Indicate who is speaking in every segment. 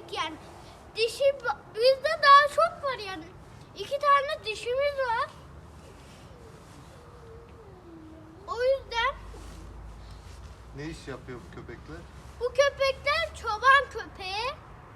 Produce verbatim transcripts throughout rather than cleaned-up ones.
Speaker 1: köpek yani. Dişi bizde daha çok var yani. İki tane dişimiz var. O yüzden
Speaker 2: Ne iş yapıyor bu köpekler?
Speaker 1: bu köpekler çoban köpeği.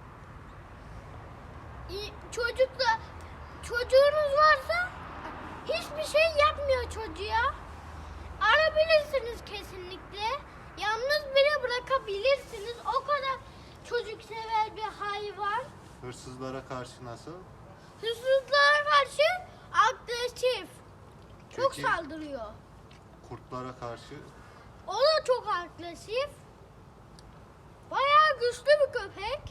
Speaker 1: İ- Çocukla çocuğunuz varsa hiçbir şey yapmıyor çocuğa. Arabilirsiniz kesinlikle. Yalnız bile bırakabilirsiniz. O kadar çocuksever bir hayvan.
Speaker 2: Hırsızlara karşı nasıl?
Speaker 1: Hırsızlara karşı agresif. Çok
Speaker 2: Peki.
Speaker 1: saldırıyor.
Speaker 2: Kurtlara karşı?
Speaker 1: O da çok agresif. Bayağı güçlü bir köpek.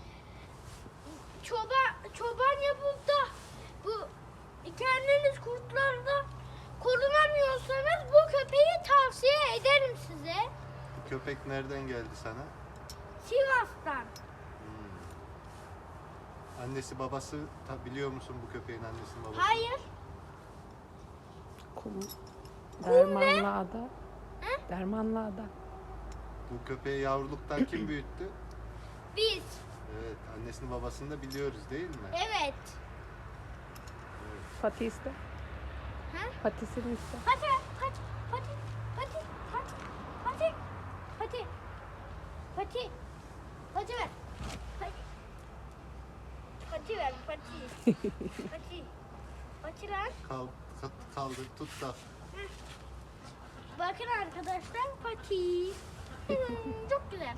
Speaker 1: Çoban, çoban yapıp da bu kendiniz kurtlardan korunamıyorsanız bu köpeği tavsiye ederim size.
Speaker 2: Bu köpek nereden geldi sana?
Speaker 1: Sivas'tan.
Speaker 2: Annesi babası ta- biliyor musun bu köpeğin annesinin babası?
Speaker 1: Hayır.
Speaker 3: Kum. Dermanlı ada.
Speaker 1: Hı?
Speaker 3: Dermanlı ada.
Speaker 2: Bu köpeği yavruluktan kim büyüttü?
Speaker 1: Biz.
Speaker 2: Evet, annesini babasını da biliyoruz değil mi?
Speaker 1: Evet.
Speaker 3: Pati iste.
Speaker 1: Ha?
Speaker 3: Patisini iste.
Speaker 1: Pati, pati, pati, pati, pati, pati, pati, pati, pati ver. Pati, pati ver, pati, pati, pati lan.
Speaker 2: Kal, ka- kaldır, tut da.
Speaker 1: Bakın arkadaşlar pati. Hmm, çok güzel.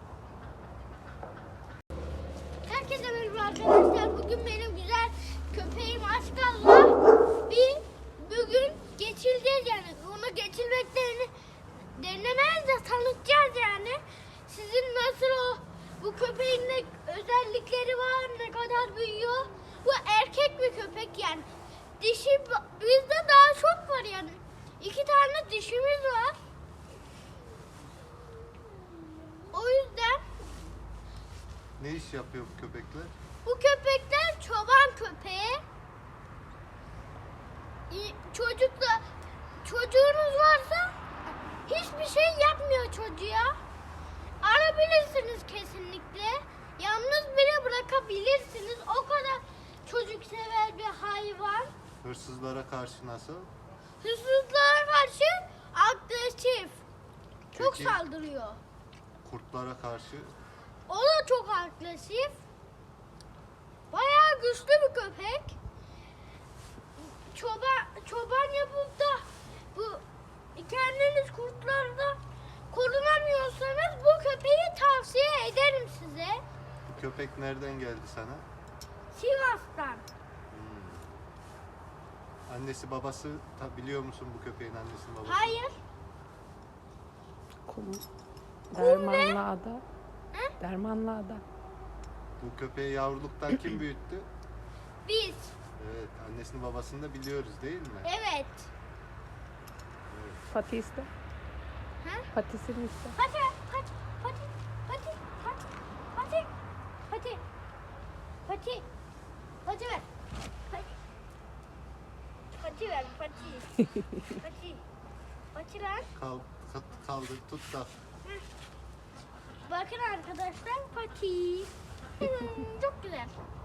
Speaker 1: Herkese merhaba arkadaşlar. Bugün benim güzel köpeğim Aşkal'la bir bugün geçileceğiz yani. Onu geçilmeklerini denemez de tanıtacağız yani. Sizin nasıl o bu köpeğin ne özellikleri var, ne kadar büyüyor. Bu erkek bir köpek yani. Dişi bizde daha çok var yani. İki tane dişimiz var. O yüzden
Speaker 2: Ne iş yapıyor bu köpekler?
Speaker 1: bu köpekler çoban köpeği. İ- Çocukla çocuğunuz varsa hiçbir şey yapmıyor çocuğa. Arabilirsiniz kesinlikle. Yalnız bile bırakabilirsiniz. O kadar çocuksever bir hayvan.
Speaker 2: Hırsızlara karşı nasıl?
Speaker 1: Hırsızlara karşı agresif. Çok
Speaker 2: Peki.
Speaker 1: saldırıyor.
Speaker 2: Kurtlara karşı?
Speaker 1: O da çok agresif. Bayağı güçlü bir köpek. Çoban, çoban yapıp da bu kendiniz kurtlardan korunamıyorsanız bu köpeği tavsiye ederim size.
Speaker 2: Bu köpek nereden geldi sana?
Speaker 1: Sivas'tan.
Speaker 2: Annesi babası ta- biliyor musun bu köpeğin annesinin babası?
Speaker 1: Hayır.
Speaker 3: Kum.
Speaker 1: Kum
Speaker 3: Dermanlı ada.
Speaker 1: Hı?
Speaker 3: Dermanlı ada.
Speaker 2: Bu köpeği yavruluktan kim büyüttü?
Speaker 1: Biz.
Speaker 2: Evet, annesini babasını da biliyoruz değil mi?
Speaker 1: Evet.
Speaker 3: Pati iste.
Speaker 1: Ha?
Speaker 3: Patisini iste.
Speaker 1: Pati, pati, pati, pati, pati, pati, pati, pati, pati ver. Pati, pati ver, pati, pati, pati lan.
Speaker 2: Kal, ka- kaldır, tut da.
Speaker 1: Bakın arkadaşlar pati. Hmm, çok güzel.